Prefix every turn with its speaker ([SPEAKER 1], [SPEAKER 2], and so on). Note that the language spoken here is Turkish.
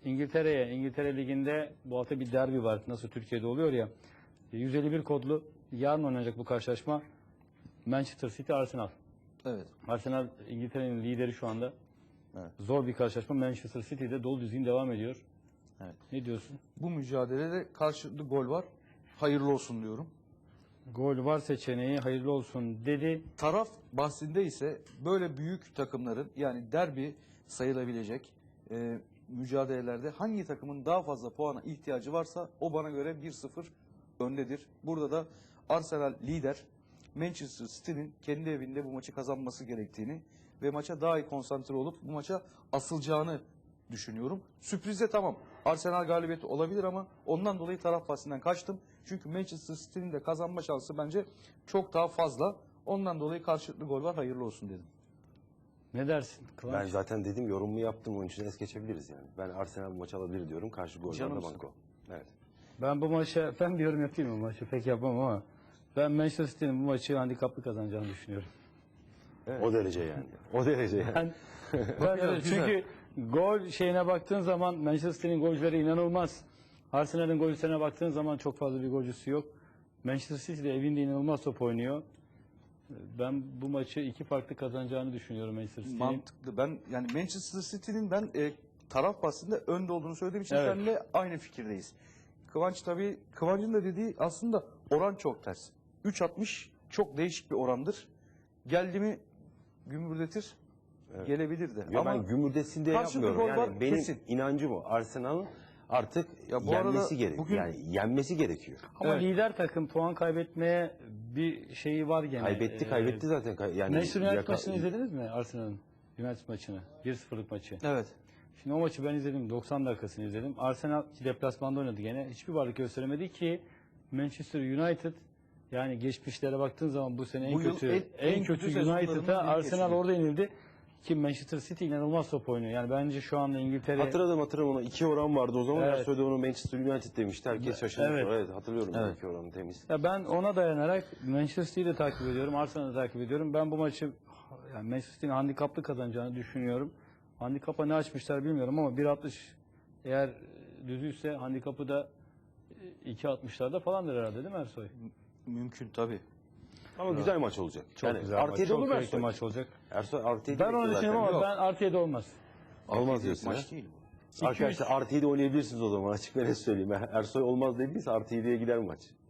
[SPEAKER 1] İngiltere Ligi'nde bu hafta bir derbi var. Nasıl Türkiye'de oluyor ya. 151 kodlu yarın oynanacak bu karşılaşma. Manchester City Arsenal.
[SPEAKER 2] Evet.
[SPEAKER 1] Arsenal İngiltere'nin lideri şu anda.
[SPEAKER 2] Evet.
[SPEAKER 1] Zor bir karşılaşma. Manchester City'de dolu düzgün devam ediyor.
[SPEAKER 2] Evet.
[SPEAKER 1] Ne diyorsun?
[SPEAKER 2] Bu mücadelede karşılıklı gol var. Hayırlı olsun diyorum.
[SPEAKER 1] Gol var seçeneği, hayırlı olsun dedi.
[SPEAKER 2] Taraf bahsinde ise böyle büyük takımların, yani derbi sayılabilecek mücadelelerde hangi takımın daha fazla puana ihtiyacı varsa o bana göre 1-0 öndedir. Burada da Arsenal lider, Manchester City'nin kendi evinde bu maçı kazanması gerektiğini ve maça daha iyi konsantre olup bu maça asılacağını düşünüyorum. Sürprize tamam, Arsenal galibiyeti olabilir ama ondan dolayı taraf bahsinden kaçtım. Çünkü Manchester City'nin de kazanma şansı bence çok daha fazla. Ondan dolayı karşılıklı gol var, hayırlı olsun dedim.
[SPEAKER 1] Ne dersin Kıvanç?
[SPEAKER 3] Ben zaten dedim, yorumumu yaptım, onun için es geçebiliriz yani. Ben Arsenal bu maçı alabilir diyorum. Karşı gollerden banko. Evet.
[SPEAKER 1] Ben bu maça, ben bir yorum yapayım mı maçı? Pek yapmam ama ben Manchester City'nin bu maçı handikaplı kazanacağını düşünüyorum.
[SPEAKER 3] Evet. O derece yani. O derece yani.
[SPEAKER 1] Ben öyle, çünkü gol şeyine baktığın zaman Manchester City'nin golcüleri inanılmaz. Arsenal'in golcülerine baktığın zaman çok fazla bir golcüsü yok. Manchester City de evinde inanılmaz top oynuyor. Ben bu maçı iki farklı kazanacağını düşünüyorum Manchester City'nin.
[SPEAKER 2] Mantıklı. Ben yani Manchester City'nin taraf bahsinde önde olduğunu söylediğim için
[SPEAKER 1] Evet.
[SPEAKER 2] seninle aynı fikirdeyiz. Kıvanç tabii, Kıvanç'ın da dediği aslında oran çok ters. 3.60 çok değişik bir orandır. Geldi mi gümürdetir,
[SPEAKER 3] Evet.
[SPEAKER 2] gelebilir de.
[SPEAKER 3] Ya
[SPEAKER 2] ama
[SPEAKER 3] ben gümürdesin diye
[SPEAKER 2] karşılıklı
[SPEAKER 3] yapmıyorum.
[SPEAKER 2] gol
[SPEAKER 3] Yani
[SPEAKER 2] var,
[SPEAKER 3] benim
[SPEAKER 2] kesin.
[SPEAKER 3] inancım o. Arsenal'ın artık
[SPEAKER 2] Ya bu
[SPEAKER 3] yenmesi
[SPEAKER 2] arada
[SPEAKER 3] gerekiyor.
[SPEAKER 2] bugün-
[SPEAKER 3] Yani yenmesi gerekiyor.
[SPEAKER 1] Ama
[SPEAKER 2] Evet.
[SPEAKER 1] lider takım puan kaybetmeye bir şeyi var gene.
[SPEAKER 3] Kaybetti zaten. Yani
[SPEAKER 1] Manchester United maçını izlediniz mi Arsenal'ın? United maçını. 1-0'lık maçı.
[SPEAKER 2] Evet.
[SPEAKER 1] Şimdi o maçı ben izledim. 90 dakikasını izledim. Arsenal deplasmanda oynadı gene. Hiçbir varlık gösteremedi ki Manchester United, yani geçmişlere baktığın zaman bu sene
[SPEAKER 2] Bu yıl en
[SPEAKER 1] kötü
[SPEAKER 2] kötü sezonlarımız
[SPEAKER 1] United'a
[SPEAKER 2] biri
[SPEAKER 1] Arsenal
[SPEAKER 2] kesinlikle.
[SPEAKER 1] orada yenildi. Ki Manchester City inanılmaz top oynuyor. Yani bence şu anda İngiltere...
[SPEAKER 3] Hatırladım ona. 2 oran vardı o zaman.
[SPEAKER 1] Evet.
[SPEAKER 3] Ersoy da onu Manchester United demişti. Herkes şaşırdı.
[SPEAKER 1] Evet.
[SPEAKER 3] Evet, hatırlıyorum.
[SPEAKER 2] Evet.
[SPEAKER 3] 2 oranı temiz.
[SPEAKER 1] Ya ben ona dayanarak Manchester City'yi de takip ediyorum. Arsenal'ı da takip ediyorum. Ben bu maçı yani Manchester City'nin handikaplı kazanacağını düşünüyorum. Handikapa ne açmışlar bilmiyorum ama 1.60 eğer düzüyse handikapı da 2.60'larda falandır herhalde, değil mi Ersoy?
[SPEAKER 2] Mümkün tabii.
[SPEAKER 3] Ama güzel maç olacak.
[SPEAKER 1] Çok
[SPEAKER 3] yani
[SPEAKER 1] güzel
[SPEAKER 3] artı
[SPEAKER 1] maç.
[SPEAKER 3] 7
[SPEAKER 1] Çok
[SPEAKER 3] olur mu
[SPEAKER 1] keyifli
[SPEAKER 3] Ersoy?
[SPEAKER 1] maç olacak.
[SPEAKER 3] Ersoy artı 7
[SPEAKER 1] Ben onu düşünüyorum ama
[SPEAKER 2] Yok.
[SPEAKER 1] ben artı 7 olmaz.
[SPEAKER 3] Olmaz diyorsun
[SPEAKER 2] Maç
[SPEAKER 3] ha?
[SPEAKER 2] değil bu.
[SPEAKER 3] Arkadaşlar artı 7 oynayabilirsiniz o zaman. Açık ve net söyleyeyim. Ersoy olmaz dediyse artı 7'ye gider maç.